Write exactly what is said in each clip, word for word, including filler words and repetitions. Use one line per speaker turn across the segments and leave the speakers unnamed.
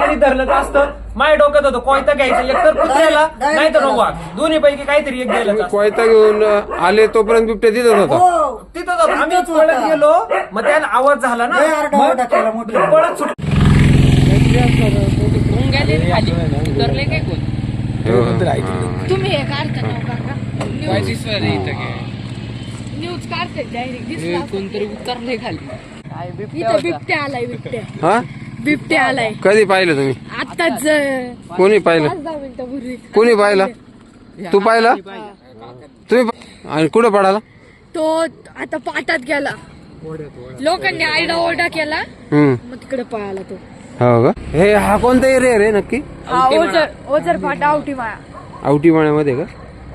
कोणी धरलं असतं माझ्या डोक्यात होतं कोयता घ्यायचं एक तर कुत्र्याला नाही तर वाघ दोन्ही पैकी काहीतरी एक गेलं
कोयता घेऊन आले तोपर्यंत बिबट्या तिथंच होता.
तिथं होतं आम्ही पळत गेलो मग त्याला आवाज झाला ना पळत सुट
तुम्ही हे काढता ना काका न्यूज काढते डायरेक्ट कोणतरी उतरले खाली इथं बिबट्या आलाय बिबट्या
हा
बिबट्या आलाय.
कधी पाहिलं तुम्ही?
आताच
कोणी पाहिलं?
पाच दहा मिनिटापूर्वी.
कोणी पाहिलं? तू पाहिला? तुम्ही आणि कुठं पडाला?
तो आता पाटात गेला लोकांनी आयडा ओरडा केला
हम्म
मग तिकडे पळाला तो.
हो का? हे हा कोणता एरिया रे नक्की?
हा ओझर ओझर फाटा आवटी माया
आवटी माळ्यामध्ये का?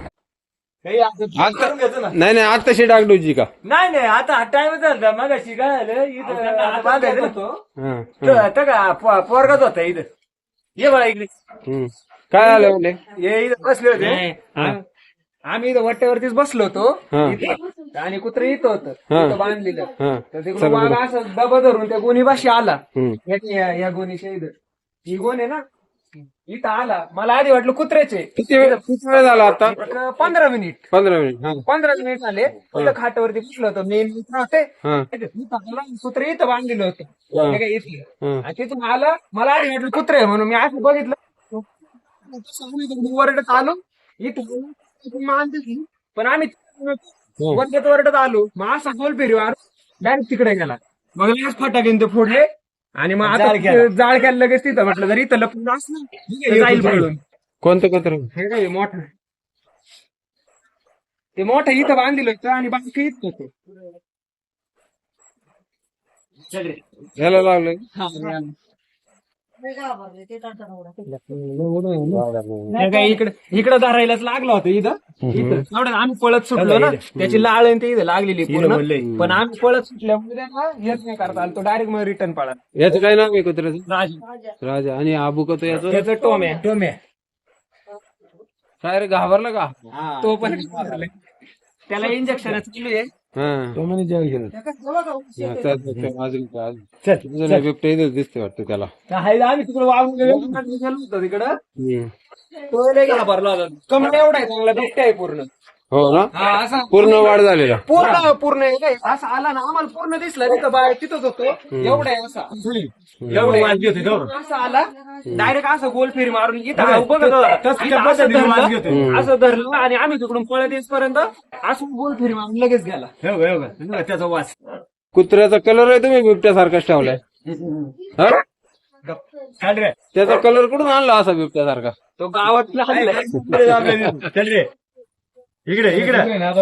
नाही नाही आता तशी डागडूजी का?
नाही नाही आता टाइम झाला मगाशी काय झालं इथं बांधायचं होतं का पोरगाच होता इथं ये बघा इकडे
हम्म काय आलं म्हणले?
हे इथं बसले होते आम्ही इथं वट्ट्यावरतीच बसलो होतो इथं. आणि कुत्र इथं होतं इथं बांधलेलं तर तिकडून वाघ असं डबा धरून त्या गोणीपाशी आला या गोणीच्या इथं ही गोण आहे ना इथं आला मला आधी वाटलं कुत्र्याचे.
किती वेळ किती वेळ झाला आता?
पंधरा मिनिट
पंधरा मिनिट
पंधरा मिनिट झाले इथं खाटावरती बसलो होतो मेन मित्र होते कुत्र इथं बांधलेलं होतं इथलं आणि तिथून आलं मला आधी वाटलं कुत्रे आहे म्हणून मी असं बघितलं वरडत आलो इथं मानते पण आम्ही वरडत वरडत आलो मग असा गोल फेरी डायरेक्ट तिकडे गेला मग लगेच फटाके ते फोडले आणि मग आता जाळ केलं लगेच तिथं म्हटलं जर इथं लपून असलं जाईल पळून.
कोणतं कुत्र?
हे काय मोठं ते मोठं इथं बांधलेलं होतं आणि बाकी इथं होतं.
याला लागलं
इकडे इकडं धरायलाच लागला होता इथं इथं एवढं आम्ही पळत सुटलो ना त्याची लाळ आणि ते इथं लागलेली पूर्ण पण आम्ही पळत सुटल्यामुळे त्यांना हेच नाही करता आलं तो डायरेक्ट मग रिटर्न पळा.
याचं काय नाव आहे कुत्र्याचं?
राजा
राजा. आणि आबू का तो याचं?
त्याचं टोम्या टोम्या
काय रे घाबरला का?
तो पण त्याला इंजेक्शन चालू आहे.
बिबट्या इथं दिसते वाटतं त्याला.
आम्ही तिकडे वाहून गेलो होतो तिकडं तो लय घाबरला होता कमळ एवढा आहे चांगला बिबट्या आहे पूर्ण.
हो ना
हा असा
पूर्ण वाढ झालेला
पूर्ण पूर्ण आहे काय असं आला ना आम्हाला पूर्ण दिसला तिथं बाहेर तिथंच होतो एवढा आहे असा एवढं असं आला डायरेक्ट असं गोल फेरी मारून इथं बघत होता असं धरलं आणि आम्ही तिकडून पळत येईपर्यंत असं गोल फेरी मारून लगेच गेला त्याचा वास.
कुत्र्याचा कलर आहे तुम्ही बिबट्यासारखाच ठेवलाय? त्याचा कलर कुठून आणला असा बिबट्यासारखा?
तो गावातला इकडे इकडे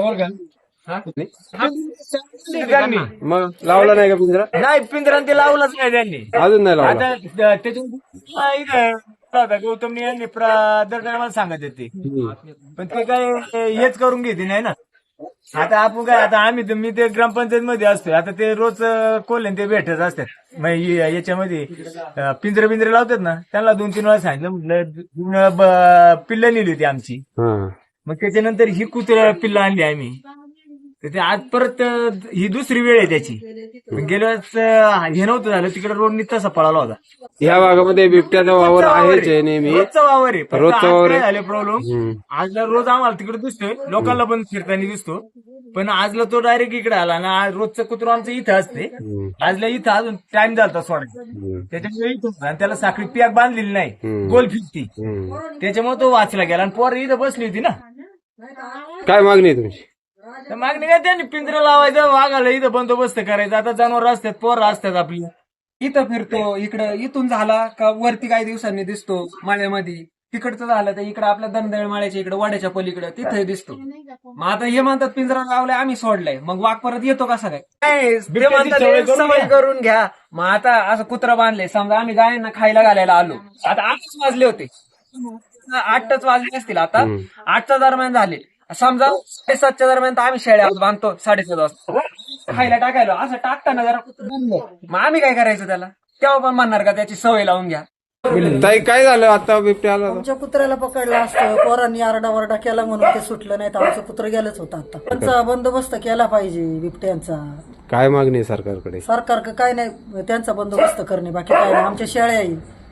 मग लावला नाही का पिंजरा?
नाही पिंजरा ते लावलंच नाही त्यांनी
अजून नाही लावला.
आता त्याच्या गौतमनी यांनी दर टायमाला सांगत येते पण ते काय हेच करून घेते नाही ना. आता आपण काय आता आम्ही मी ते ग्रामपंचायत मध्ये असतोय आता ते रोज कोल्हे ते भेटत असतात याच्यामध्ये पिंजरे पिंजरे लावतात ना त्यांना दोन तीन वेळा सांगितलं म्हटलं पिल्ल नेली होती आमची मग त्याच्यानंतर ही कुत्र्या पिल्ल आणली आम्ही तर ते आज परत ही दुसरी वेळ आहे त्याची. गेल्या वेळेस हे नव्हतं झालं तिकडे रोड तसा पळाला होता.
या भागामध्ये बिबट्याचा वावर आहेच नेहमी
रोजचा वावर आहे
रोजचा वावर
झाले प्रॉब्लेम आजला रोज आम्हाला तिकडे दिसतोय लोकांना पण फिरताना दिसतो पण आजला तो डायरेक्ट इकडे आला ना रोजचं कुत्र आमचं इथं असते आजला इथं अजून टाइम झाला सोडायचा त्याच्यामुळे इथं आणि त्याला साखळी पॅक बांधलेली नाही गोल फिरती त्याच्यामुळे तो वाचला गेला आणि पोर इथं बसली होती ना.
काय मागणी आहे तुमची?
मागणी काय त्यांनी पिंजरा लावायचं वाघाला इथं बंदोबस्त करायचा. आता जनावर असतात पोरं असतात आपली इथं फिरतो इकडं इथून झाला का वरती काही दिवसांनी दिसतो माळ्यामध्ये तिकडचं झालं तर इकडं आपल्या दंदळ माळ्याच्या इकडे वाड्याच्या पलीकडे तिथे दिसतो. मग आता हे म्हणतात पिंजरा लावलाय आम्ही सोडलाय मग वाघ परत येतो कसा काय सवय करून घ्या. मग आता असं कुत्रा बांधले समजा आम्ही गायांना खायला घालायला आलो आता आठच वाजले होते आठच वाजले असतील आता आठच्या दरम्यान झाले समजा साडेसातच्या दरम्यान तर आम्ही शेळ्या बांधतो साडेसात वाजता खायला टाकायला असं टाकताना जरा मग आम्ही काय करायचं त्याला तेव्हा पण म्हणणार का त्याची सवय लावून घ्या.
ताई काय झालं आता बिबट्या आला?
आमच्या कुत्र्याला पकडलं असतं पोरांनी आरडा वरडा केला म्हणून ते सुटलं नाही तर आमचं कुत्र गेलंच होतं. आता त्यांचा बंदोबस्त केला पाहिजे बिबट्यांचा.
काय मागणी आहे सरकारकडे?
सरकार काय नाही त्यांचा बंदोबस्त करणे बाकी काय नाही. आमच्या शेळ्या येईल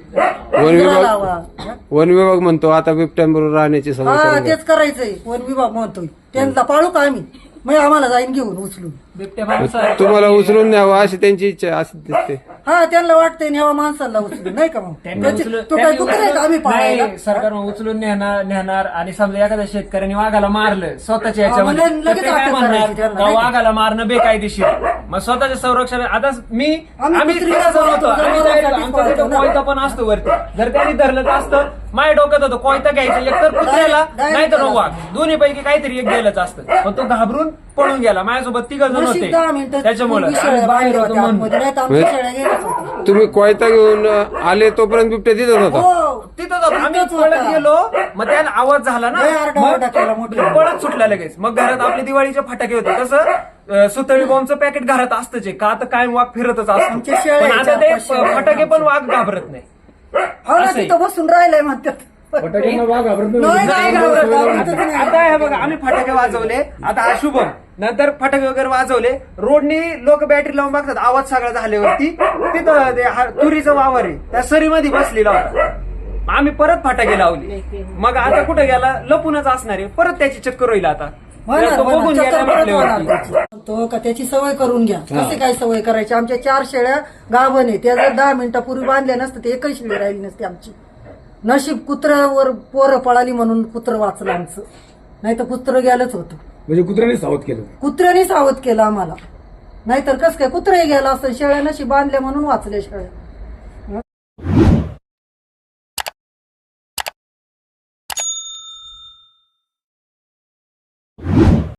वन
पिंजरा
विभाग
लावा.
वन विभाग म्हणतो आता बिबट्यांबरोबर राहण्याची सवय
हा
करून घ्या.
तेच करायचंय वन विभाग म्हणतोय त्यांना पाळू का आम्ही मग आम्हाला जाईन घेऊन उचलून.
तुम्हाला उचलून न्यावं अशी त्यांची इच्छा अशी दिसते.
हा त्यांना वाटतंय न्यावा माणसाला उचलून नाही का मग त्याची- तो काय कुत्रा आहे का आम्ही पाळायला?
नाही, सरकार मग उचलून नेणार नेणार आणि समजा एखाद्या शेतकऱ्याने वाघाला मारलं स्वतःच्या
हा,
याच्यामध्ये
म्हणजे
तर
लगेच
ते काय
अटक
म्हणणार
करायची त्यांना,
का
नाही का?
वाघाला मारणं बेकायदेशीर आहे. मग स्वतःच्या संरक्षण आता मी
आम्ही
आम्ही
कुत्रीला
कसं बनवतो
जनावरांसाठी
आम्ही जायचो,
पाळतो
आमच्या तिथं
ना.
कोयता पण असतो वरती जर त्यांनी धरलं तर असतं माझ्या डोक्यात होतं कोयता घ्यायचं एक तर कुत्र्याला
डायरेक्ट
नाही तर
त्याला
वाघ दोन्ही पैकी काहीतरी एक गेलंच असतं पण तो घाबरून पळून गेला माझ्यासोबत तिघ जण
नशीब
होते
दहा मिनिटं
त्याच्यामुळे
पूर्वी
आम्ही
शेळ्या
बाहेर
बांधल्या
होतो
होत्या
म्हणून
आतमध्ये, नाही तर आमच्या शेळ्या गेल्याच होत्या.
तुम्ही कोयता घेऊन आले तोपर्यंत बिबट्या तिथंच होता.
हो
तिथं जातो आम्ही
तिथंच
पळत
होता.
गेलो मग त्याला आवाज झाला ना
लय आरडाओरडा केला मोठा.
मग पळत सुटला लगेच मग घरात आपले दिवाळीचे फटाके होते कसं अं, सुतळी बॉम्बचं पॅकेट घरात असतंच आहे. का आता कायम वाघ फिरतच
आमच्या
असतो
शेळ्या
पण आता
आहेत,
ते
चार-पाच शेळ्या आहेत
फटाके पण
आमच्या.
वाघ घाबरत नाही
हो ना
असंही.
तिथं बसून राहिलंय म्हणतात नाही, नाही घाबरत, घाबरतच नाही.
आता हे बघा आम्ही फटाके वाजवले आता हा शुभम नंतर फटाके वगैरे वाजवले रोडनी लोक बॅटरी लावून बघतात आवाज सगळा झाल्यावरती तिथं ते हा- तुरीचं वावर आहे त्या सरीमध्ये बसलेला होता आम्ही परत फटाके लावले मग आता कुठं गेला लपूनच असणार आहे परत त्याची चक्कर होईल आता
होणार,
तो
होणार.
बघून
चक्कर
गेला
परत होणार
म्हटल्यावरती.
त्याची. तो का त्याची सवय करून घ्या कसे काय सवय करायची आमच्या चार शेळ्या गाभण आहे त्या जर दहा मिनिटापूर्वी बांधल्या नसतं ते एकही शेळी राहिली नसती आमची नशीब कुत्र्यावर पोरं पळाली म्हणून कुत्रं वाचलं आमचं नाही तर कुत्रं गेलंच होतं
म्हणजे कुत्र्याने सावध केलं.
कुत्र्याने सावध केलं आम्हाला नाहीतर कसं काय कुत्रंही गेलं असतं शेळ्या नशीब बांधल्या म्हणून वाचल्या शेळ्या